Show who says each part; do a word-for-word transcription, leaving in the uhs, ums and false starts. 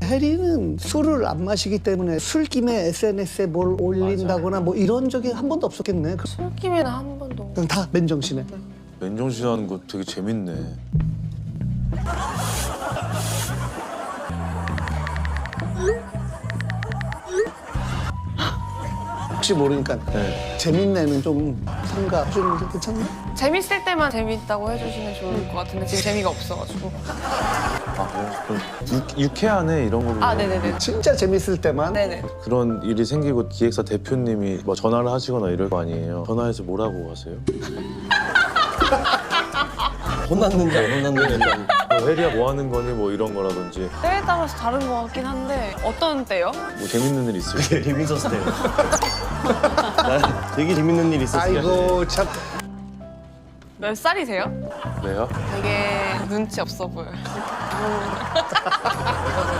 Speaker 1: 혜리는 술을 안 마시기 때문에 술김에 에스엔에스에 뭘 올린다거나 뭐 이런 적이 한 번도 없었겠네.
Speaker 2: 술김에는 한 번도.
Speaker 1: 그럼 다 맨정신에.
Speaker 3: 맨정신 하는 거 되게 재밌네.
Speaker 1: 혹시 모르니까
Speaker 3: 네.
Speaker 1: 재밌네는 좀 삼가 좀 괜찮나?
Speaker 2: 재밌을 때만 재밌다고 해주시면 좋을 것 같은데 지금 재미가 없어가지고.
Speaker 3: 아, 그럼 유, 유쾌하네 이런 걸로.
Speaker 2: 아 네네네.
Speaker 1: 진짜 재밌을 때만.
Speaker 2: 네네.
Speaker 3: 그런 일이 생기고 기획사 대표님이 뭐 전화를 하시거나 이럴 거 아니에요. 전화해서 뭐라고 하세요?
Speaker 4: 혼났는지 안 혼났는지.
Speaker 3: 뭐 혜리야 뭐 하는 거니 뭐 이런 거라든지
Speaker 2: 때에 따라서 다른 것 같긴 한데 어떤 때요?
Speaker 3: 뭐 재밌는 일 있어요?
Speaker 4: 되게 재밌었을 때. 나 되게 재밌는 일 있었을 때.
Speaker 1: 아이고 참.
Speaker 2: 몇 살이세요?
Speaker 3: 왜요?
Speaker 2: 되게 눈치 없어 보여요.